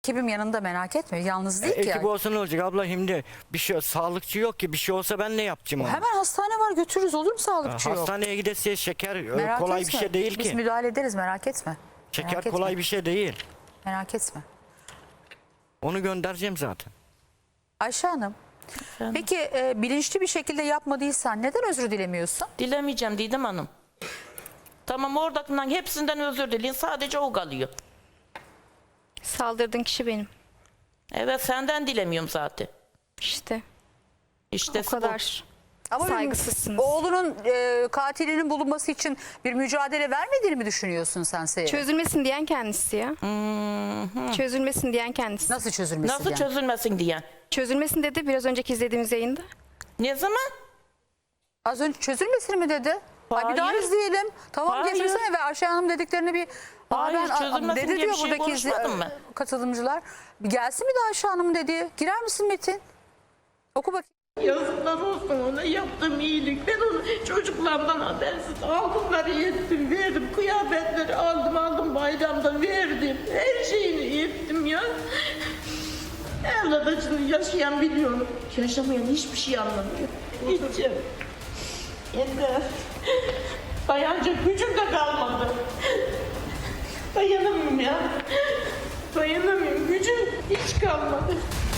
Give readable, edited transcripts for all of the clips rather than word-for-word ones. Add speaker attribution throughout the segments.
Speaker 1: Ekibim yanında, merak etme. Yalnız değil ki.
Speaker 2: Ekip
Speaker 1: Yani.
Speaker 2: olsa ne olacak abla, şimdi bir şey, sağlıkçı yok ki, bir şey olsa ben ne yapacağım onu?
Speaker 1: Hemen hastane var, götürürüz, olur mu sağlıkçı yok?
Speaker 2: Hastaneye gidesiye şeker
Speaker 1: Merak
Speaker 2: kolay
Speaker 1: etme.
Speaker 2: bir şey değil
Speaker 1: Biz
Speaker 2: ki.
Speaker 1: müdahale ederiz, merak etme.
Speaker 2: Şeker
Speaker 1: Merak
Speaker 2: kolay
Speaker 1: etme.
Speaker 2: bir şey değil.
Speaker 1: Merak etme.
Speaker 2: Onu göndereceğim zaten.
Speaker 1: Ayşe Hanım, peki bilinçli bir şekilde yapmadıysan neden özür dilemiyorsun?
Speaker 3: Dilemeyeceğim Didem Hanım. Tamam, oradakinden hepsinden özür dileyin. Sadece o kalıyor.
Speaker 4: Saldırdığın kişi benim.
Speaker 3: Evet, senden dilemiyorum zaten.
Speaker 4: İşte
Speaker 3: İşte
Speaker 4: o kadar
Speaker 1: Ama
Speaker 4: saygısızsınız.
Speaker 1: oğlunun katilinin bulunması için bir mücadele vermediğini mi düşünüyorsun sen Seher?
Speaker 4: Çözülmesin diyen kendisi ya. Çözülmesin diyen kendisi.
Speaker 1: Nasıl çözülmesi
Speaker 3: Nasıl
Speaker 1: yani?
Speaker 3: çözülmesin diyen.
Speaker 4: Çözülmesin dedi biraz önceki izlediğimiz yayında.
Speaker 3: Ne zaman?
Speaker 1: Az önce çözülmesini mi dedi? Ay bir daha
Speaker 3: Hayır.
Speaker 1: izleyelim. Tamam,
Speaker 3: Hayır.
Speaker 1: getirsene ve Ayşe Hanım dediklerini bir...
Speaker 3: Hayır, çözülmesin
Speaker 1: dedi
Speaker 3: diye
Speaker 1: diyor
Speaker 3: bir şey
Speaker 1: buradaki
Speaker 3: konuşmadım ben.
Speaker 1: katılımcılar. Bir gelsin bir daha Ayşe Hanım'ın dediği. Girer misin Metin? Oku bakayım.
Speaker 5: Yazıklar olsun ona yaptığım iyilik. Ben onu çocuklarımdan habersiz aldımları yettim, verdim. Kıyafetleri aldım bayramda verdim. Her şeyini ettim ya. Evlat acını yaşayan biliyorum. Yaşamayan hiçbir şey anlamıyor. Gideceğim. Yeter. Dayanacak gücüm de kalmadı. Dayanamıyorum ya. Dayanamıyorum. Gücüm hiç kalmadı.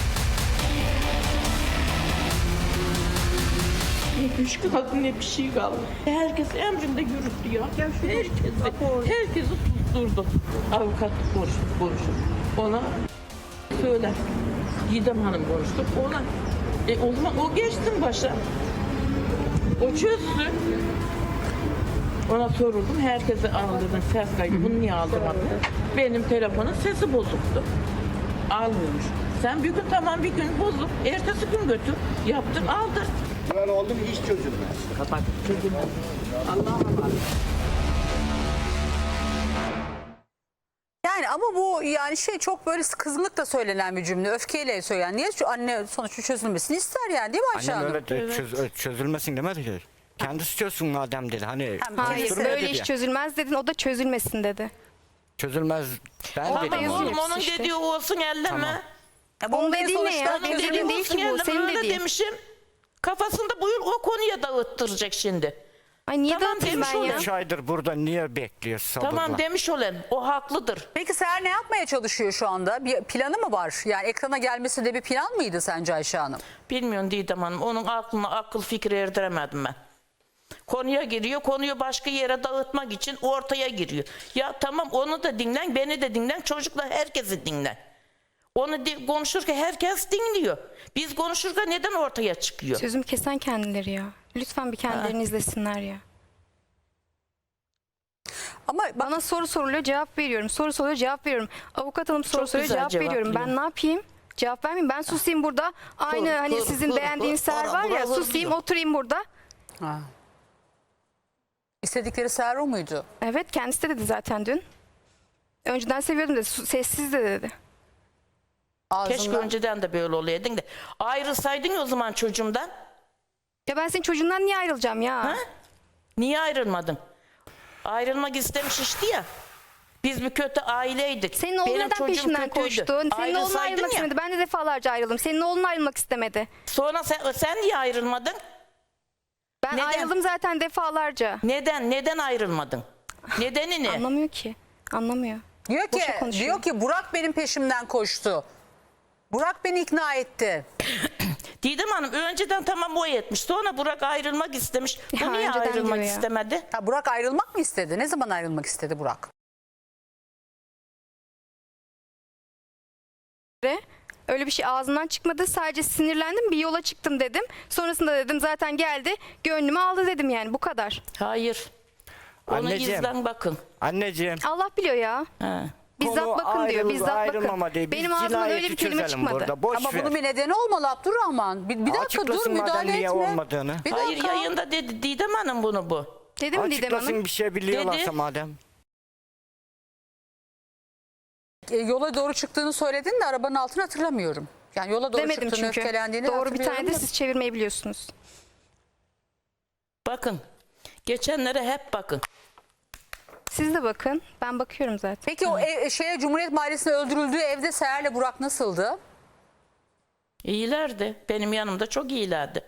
Speaker 5: Ne güç kaldı ne bir şey kaldı. Herkes emrinde yürüttü ya. Herkesi susturdu. Avukat konuştu. Ona söyle. Didem Hanım konuştu. Ona o zaman o geçsin başa. O çözsün. Ona sorurdum. Herkese aldırdım ses kaydı. Bunu niye aldırmadın? Benim telefonun sesi bozuktu. Almıyormuş. Sen bir gün tamam, bir gün bozuk. Ertesi gün götür. Yaptır aldır.
Speaker 6: Böyle oldu mu iş çözülmez.
Speaker 5: Kapat. Çözülmez. Allah'a emanet.
Speaker 1: Yani ama bu yani çok böyle kızgınlıkla söylenen bir cümle. Öfkeyle söylenen. Niye anne sonuçta çözülmesini ister yani, değil mi Ayşe
Speaker 2: Annem
Speaker 1: Hanım?
Speaker 2: öyle de çözülmesin demedi ki. Kendisi çözsün madem dedi. Hani
Speaker 4: Hayır
Speaker 2: konuşturma
Speaker 4: böyle
Speaker 2: dedi
Speaker 4: iş
Speaker 2: ya.
Speaker 4: çözülmez dedin, o da çözülmesin dedi.
Speaker 2: Çözülmez ben
Speaker 4: Orada
Speaker 2: dedim.
Speaker 4: yazıyor.
Speaker 3: Oğlum onun
Speaker 4: işte.
Speaker 3: dediği olsun elleme.
Speaker 2: Tamam.
Speaker 1: Ya bu
Speaker 4: Onun
Speaker 1: olayın
Speaker 4: dediği ne
Speaker 1: sonuçta
Speaker 4: ya?
Speaker 3: Onun
Speaker 4: Benim
Speaker 3: dediği
Speaker 4: dediğim değil
Speaker 3: olsun
Speaker 4: ki bu,
Speaker 3: elleme,
Speaker 4: senin
Speaker 3: öyle
Speaker 4: dediğin.
Speaker 3: demişim. Kafasında bu yıl o konuya dağıttıracak şimdi.
Speaker 4: Ay niye
Speaker 3: Tamam,
Speaker 4: dağıtayım
Speaker 3: demiş
Speaker 4: ben
Speaker 3: o
Speaker 4: ya?
Speaker 3: da.
Speaker 2: 3 aydır burada niye bekliyor sabırla?
Speaker 3: Tamam demiş olan, o haklıdır.
Speaker 1: Peki Seher ne yapmaya çalışıyor şu anda? Bir planı mı var? Yani ekrana gelmesi de bir plan mıydı sence Ayşe Hanım?
Speaker 3: Bilmiyorum Didem Hanım, onun aklına akıl fikri erdiremedim ben. Konuya giriyor, konuyu başka yere dağıtmak için ortaya giriyor. Ya tamam, onu da dinlen, beni de dinlen, çocuklar herkesi dinlen. Onu konuşurken herkes dinliyor. Biz konuşurken neden ortaya çıkıyor?
Speaker 4: Sözümü kesen kendileri ya. Lütfen bir kendilerini izlesinler ya.
Speaker 1: Ama bak,
Speaker 4: Bana soru soruluyor, cevap veriyorum. Soru soruyor, cevap veriyorum. Avukat hanım soru
Speaker 3: Çok
Speaker 4: soruyor,
Speaker 3: güzel
Speaker 4: cevap veriyorum. Ben
Speaker 3: cevaplıyor.
Speaker 4: ne yapayım? Cevap vermeyeyim. Ben susayım burada. Aynı hani sizin beğendiğiniz Seher var ya, susayım, oturayım burada.
Speaker 1: istedikleri Seher o muydu?
Speaker 4: Evet, kendisi de dedi zaten dün. Önceden seviyordum dedi, sessiz de dedi.
Speaker 3: Keşke
Speaker 1: Ağzından.
Speaker 3: önceden de böyle olaydın da. Ayrılsaydın ya o zaman çocuğumdan.
Speaker 4: Ya ben senin çocuğundan niye ayrılacağım ya?
Speaker 3: Ha? Niye ayrılmadın? Ayrılmak istemiş işte ya. Biz bir kötü aileydik.
Speaker 4: Senin oğlun
Speaker 3: Benim
Speaker 4: neden
Speaker 3: çocuğum
Speaker 4: peşimden
Speaker 3: kötüydü.
Speaker 4: koştu? Senin oğlun
Speaker 3: Ayrılsaydın
Speaker 4: ayrılmak
Speaker 3: ya.
Speaker 4: istemedi. Ben de defalarca ayrıldım. Senin oğlun ayrılmak istemedi.
Speaker 3: Sonra sen niye ayrılmadın?
Speaker 4: Ben
Speaker 3: Neden?
Speaker 4: ayrıldım zaten defalarca.
Speaker 3: Neden ayrılmadın? Nedeni ne?
Speaker 4: Anlamıyor ki. Anlamıyor.
Speaker 1: Diyor
Speaker 4: Boşa konuşuyor.
Speaker 1: diyor ki Burak benim peşimden koştu. Burak beni ikna etti.
Speaker 3: Didem Hanım önceden tamam o etmiş. Sonra Burak ayrılmak istemiş.
Speaker 4: Ya
Speaker 3: Bu niye
Speaker 4: önceden
Speaker 3: ayrılmak
Speaker 4: diyor ya.
Speaker 3: istemedi?
Speaker 1: Ha, Burak ayrılmak mı istedi? Ne zaman ayrılmak istedi Burak?
Speaker 4: Öyle bir şey ağzından çıkmadı. Sadece sinirlendim, bir yola çıktım dedim. Sonrasında dedim zaten geldi, gönlümü aldı dedim yani, bu kadar.
Speaker 3: Hayır. Onu
Speaker 2: Anneciğim.
Speaker 3: izlen bakın.
Speaker 2: Anneciğim.
Speaker 4: Allah biliyor ya.
Speaker 3: Ha.
Speaker 4: Bizzat
Speaker 2: konu
Speaker 4: bakın diyor, bizzat
Speaker 2: ayrılmama
Speaker 4: bakın.
Speaker 2: değil. Biz
Speaker 4: Benim ağzımdan öyle bir
Speaker 2: cinayeti
Speaker 4: kelime
Speaker 2: çözelim
Speaker 4: çıkmadı.
Speaker 2: burada. Boş
Speaker 1: Ama
Speaker 2: ver.
Speaker 1: bunun bir nedeni olmalı Abdurrahman. Bir dakika dur,
Speaker 2: Açıklasın madem
Speaker 1: müdahale
Speaker 2: niye
Speaker 1: etme.
Speaker 2: olmadığını.
Speaker 1: Bir
Speaker 3: Hayır,
Speaker 1: dakika.
Speaker 3: yayında dedi Didem Hanım bunu bu.
Speaker 4: Dedim mi Didem
Speaker 2: Açıklasın
Speaker 4: Hanım?
Speaker 2: bir şey biliyorlarsa
Speaker 3: Dedi.
Speaker 2: madem.
Speaker 1: Yola doğru çıktığını söyledin de arabanın altını hatırlamıyorum. Yani yola doğru
Speaker 4: Demedim
Speaker 1: çıktığını,
Speaker 4: çünkü.
Speaker 1: öfkelendiğini
Speaker 4: Doğru bir
Speaker 1: hatırlıyorum
Speaker 4: tane de
Speaker 1: da.
Speaker 4: siz çevirmeyi biliyorsunuz.
Speaker 3: Bakın. Geçenlere hep bakın.
Speaker 4: Siz de bakın. Ben bakıyorum zaten.
Speaker 1: Peki o Cumhuriyet Mahallesi'nde öldürüldüğü evde Seher'le Burak nasıldı?
Speaker 3: İyilerdi. Benim yanımda çok iyilerdi.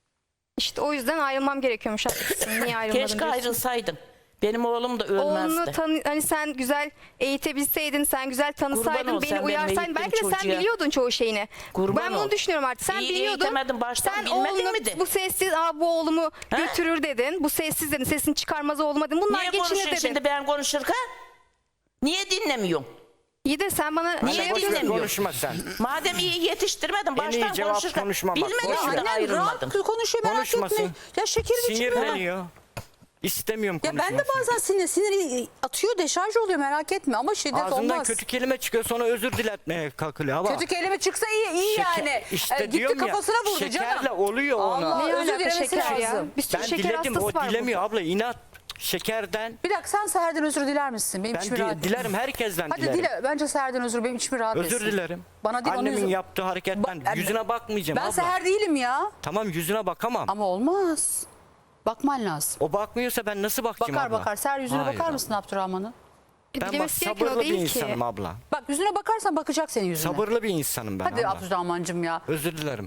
Speaker 4: İşte o yüzden ayrılmam gerekiyormuş. Haklısın. Niye ayrılmadın
Speaker 3: Keşke
Speaker 4: diyorsun.
Speaker 3: ayrılsaydım. Benim oğlum da
Speaker 4: Oğlunu
Speaker 3: ölmezdi.
Speaker 4: hani sen güzel eğitebilseydin, sen güzel tanısaydın,
Speaker 3: ol,
Speaker 4: beni
Speaker 3: sen benim
Speaker 4: uyarsaydın belki de
Speaker 3: eğittiğim
Speaker 4: sen
Speaker 3: çocuğa.
Speaker 4: biliyordun çoğu şeyini.
Speaker 3: Kurban
Speaker 4: Ben bunu
Speaker 3: ol.
Speaker 4: düşünüyorum artık. Sen
Speaker 3: İyi
Speaker 4: biliyordun.
Speaker 3: eğitemedin, baştan
Speaker 4: Sen
Speaker 3: bilmedin
Speaker 4: oğlunu
Speaker 3: mi de?
Speaker 4: bu sessiz bu oğlumu götürür dedin. Bu sessiz dedin. Sesini çıkarmaz oğluma dedin. Bunlar
Speaker 3: Niye
Speaker 4: geçinir
Speaker 3: konuşuyorsun
Speaker 4: dedin.
Speaker 3: şimdi ben konuşurken? Niye dinlemiyorsun?
Speaker 4: İyi de sen bana
Speaker 3: Niye
Speaker 4: şey
Speaker 2: Boş ver,
Speaker 4: yapıyorsun.
Speaker 3: bilmiyorum.
Speaker 2: konuşma sen.
Speaker 3: Madem iyi yetiştirmedin
Speaker 2: En iyi
Speaker 3: baştan
Speaker 2: cevap
Speaker 3: konuşurken
Speaker 2: konuşmamak.
Speaker 3: bilmediğin
Speaker 2: Boş ver.
Speaker 3: için
Speaker 1: Annem
Speaker 3: ayrılmadın.
Speaker 1: rahat konuşuyor, merak
Speaker 2: Konuşmasın.
Speaker 1: etme. Ya şekerim içmiyor.
Speaker 2: Sinirleniyor. İstemiyorum
Speaker 1: Ya
Speaker 2: konuşmasını.
Speaker 1: ben de bazen sinir atıyor, deşarj oluyor, merak etme ama şiddet
Speaker 2: Ağzından
Speaker 1: olmaz.
Speaker 2: kötü kelime çıkıyor, sonra özür diletmeye kalkılıyor. Ama
Speaker 1: Kötü kelime çıksa iyi yani.
Speaker 2: İşte
Speaker 1: Gitti
Speaker 2: diyorum ya,
Speaker 1: kafasına vurdu
Speaker 2: şekerle
Speaker 1: canım.
Speaker 2: oluyor ona.
Speaker 1: Allah,
Speaker 4: Ne
Speaker 1: özür
Speaker 4: alaka
Speaker 1: dilemesi
Speaker 4: şeker ya?
Speaker 1: lazım.
Speaker 4: Bir sürü
Speaker 2: Ben
Speaker 4: şeker
Speaker 2: diledim,
Speaker 4: hastası
Speaker 2: o
Speaker 4: var
Speaker 2: dilemiyor
Speaker 4: burada.
Speaker 2: abla, inat. Şekerden.
Speaker 1: Bir dakika, sen Seher'den özür diler misin? Benim
Speaker 2: Ben
Speaker 1: içimi rahat
Speaker 2: dilerim, herkesten
Speaker 1: Hadi
Speaker 2: dilerim.
Speaker 1: dile. Bence Seher'den özür, benim içimi rahat
Speaker 2: Özür
Speaker 1: etsin.
Speaker 2: dilerim.
Speaker 1: Bana değil, onun
Speaker 2: Annemin
Speaker 1: yüzü-
Speaker 2: yaptığı hareketten yüzüne bakmayacağım
Speaker 1: Ben
Speaker 2: abla.
Speaker 1: Seher değilim ya.
Speaker 2: Tamam, yüzüne bakamam.
Speaker 1: Ama olmaz. Bakman lazım.
Speaker 2: O bakmıyorsa ben nasıl bakacağım
Speaker 1: Bakar
Speaker 2: abla?
Speaker 1: bakar. Seher yüzüne
Speaker 2: Hayır
Speaker 1: bakar
Speaker 2: abla.
Speaker 1: mısın Abdurrahman'ın?
Speaker 2: Ben bak,
Speaker 4: Dilemesi gereken o
Speaker 2: sabırlı bir
Speaker 4: değil ki.
Speaker 2: insanım abla.
Speaker 1: Bak yüzüne bakarsan bakacak senin yüzüne.
Speaker 2: Sabırlı bir insanım ben
Speaker 1: Hadi
Speaker 2: abla.
Speaker 1: Abdurrahman'cığım ya.
Speaker 2: Özür dilerim.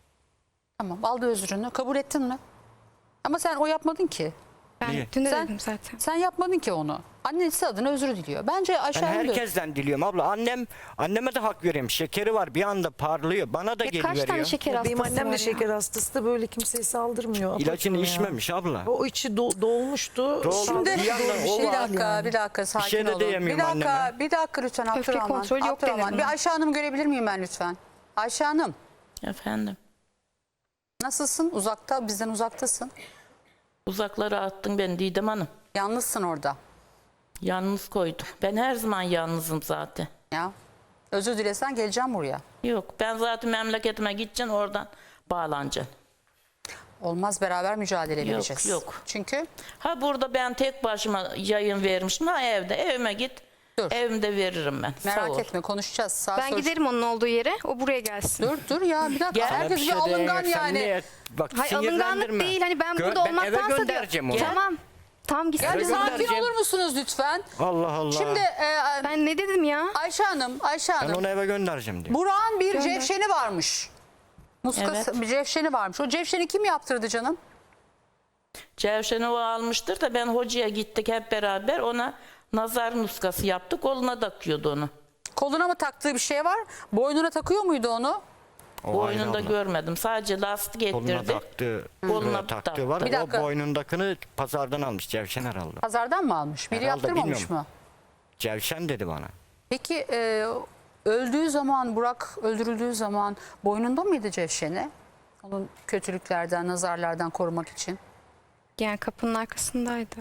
Speaker 1: Tamam, aldı özrünü. Kabul ettin mi? Ama sen o yapmadın ki.
Speaker 4: Ben
Speaker 2: Niye?
Speaker 4: dün de
Speaker 1: Sen-
Speaker 4: dedim zaten.
Speaker 1: Sen yapmadın ki onu. Annesi adına özür diliyor. Bence
Speaker 2: Ben
Speaker 1: aşağı
Speaker 2: herkesten diliyorum abla. Anneme de hak veriyorum. Şekeri var, bir anda parlıyor. Bana da
Speaker 4: Ya
Speaker 2: geri
Speaker 4: kaç tane
Speaker 2: veriyor.
Speaker 4: şeker hastası
Speaker 7: Benim annem
Speaker 4: var
Speaker 7: de şeker
Speaker 4: ya?
Speaker 7: hastası da böyle kimseye saldırmıyor.
Speaker 2: İlacını
Speaker 7: Abartma ya.
Speaker 2: içmemiş abla.
Speaker 7: O içi dolmuştu.
Speaker 2: Doldu.
Speaker 7: Saldırı
Speaker 2: Bir yandan
Speaker 7: doğru
Speaker 2: o
Speaker 1: Bir
Speaker 2: var
Speaker 1: dakika,
Speaker 7: yani.
Speaker 1: bir dakika sakin
Speaker 2: şey de
Speaker 1: olun.
Speaker 2: diyemiyorum
Speaker 1: Bir dakika,
Speaker 2: anneme.
Speaker 1: bir dakika lütfen
Speaker 4: Öfke
Speaker 1: Abdurrahman.
Speaker 4: kontrolü yok
Speaker 1: Abdurrahman.
Speaker 4: denir
Speaker 1: Bir
Speaker 4: buna.
Speaker 1: Ayşe Hanım görebilir miyim ben lütfen? Ayşe Hanım,
Speaker 3: Efendim.
Speaker 1: nasılsın? Uzakta, bizden uzaktasın.
Speaker 3: Uzaklara attın beni Didem Hanım.
Speaker 1: Yalnızsın orada.
Speaker 3: Yalnız koyduk. Ben her zaman yalnızım zaten.
Speaker 1: Ya. Özür dilesen geleceğim buraya.
Speaker 3: Yok ben zaten memleketime gideceksin oradan bağlanacaksın.
Speaker 1: Olmaz, beraber mücadele
Speaker 3: Yok,
Speaker 1: vereceğiz.
Speaker 3: yok.
Speaker 1: Çünkü
Speaker 3: Ha burada ben tek başıma yayın vermişim. Ha evde evime git.
Speaker 1: Dur.
Speaker 3: Evimde veririm ben. Sağ
Speaker 1: merak
Speaker 3: ol.
Speaker 1: etme, konuşacağız. Sağ
Speaker 4: Ben
Speaker 1: sol-
Speaker 4: giderim onun olduğu yere. O buraya gelsin.
Speaker 1: Dur ya, bir dakika.
Speaker 3: Gel.
Speaker 2: Sana
Speaker 1: Herkes bir
Speaker 2: şey
Speaker 1: alıngan
Speaker 2: diyemem, sen
Speaker 1: yani.
Speaker 2: niye- Bak,
Speaker 4: Hayır alınganlık
Speaker 2: sinirlendirme.
Speaker 4: değil. Hani ben burada
Speaker 2: Ben eve
Speaker 4: olmaktansa
Speaker 2: göndereceğim onu.
Speaker 4: Tamam. Tamam gitsin.
Speaker 1: Ya bir
Speaker 2: Eve
Speaker 1: sakin
Speaker 2: göndereceğim.
Speaker 1: olur musunuz lütfen?
Speaker 2: Allah Allah.
Speaker 1: Şimdi
Speaker 4: Ben ne dedim ya?
Speaker 1: Ayşe Hanım,
Speaker 2: ben onu eve göndereceğim diyor.
Speaker 1: Burak'ın bir
Speaker 4: Gönder.
Speaker 1: cevşeni varmış. Muskası,
Speaker 3: Evet.
Speaker 1: bir cevşeni varmış. O cevşeni kim yaptırdı canım?
Speaker 3: Cevşen'i o almıştır da ben hocaya gittik hep beraber ona nazar nuskası yaptık. Koluna takıyordu onu.
Speaker 1: Koluna mı taktığı bir şey var? Boynuna takıyor muydu onu?
Speaker 2: O ayrı
Speaker 3: Boynunda
Speaker 2: abla.
Speaker 3: görmedim. Sadece lastik
Speaker 2: Koluna
Speaker 3: ettirdi.
Speaker 2: taktığı,
Speaker 3: Koluna
Speaker 2: taktığı
Speaker 3: taktı.
Speaker 2: var.
Speaker 1: Bir dakika.
Speaker 2: O boynundakini pazardan almış Cevşen herhalde.
Speaker 1: Pazardan mı almış? Biri
Speaker 2: Herhalde,
Speaker 1: yaptırmamış
Speaker 2: bilmiyorum.
Speaker 1: mı?
Speaker 2: Cevşen dedi bana.
Speaker 1: Peki öldüğü zaman, Burak öldürüldüğü zaman boynunda mıydı cevşeni? Onun kötülüklerden, nazarlardan korumak için.
Speaker 4: Yani kapının arkasındaydı.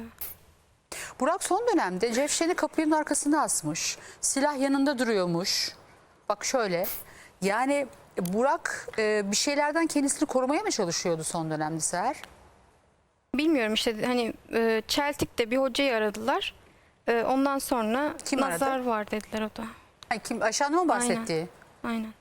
Speaker 1: Burak son dönemde cevşeni kapının arkasına asmış. Silah yanında duruyormuş. Bak şöyle. Yani Burak bir şeylerden kendisini korumaya mı çalışıyordu son dönemde Seher?
Speaker 4: Bilmiyorum işte hani Çeltik'te bir hocayı aradılar. Ondan sonra
Speaker 1: Kim aradı?
Speaker 4: nazar var dediler o da.
Speaker 1: Ay, kim? Ayşe Hanım'ın bahsettiği.
Speaker 4: Aynen.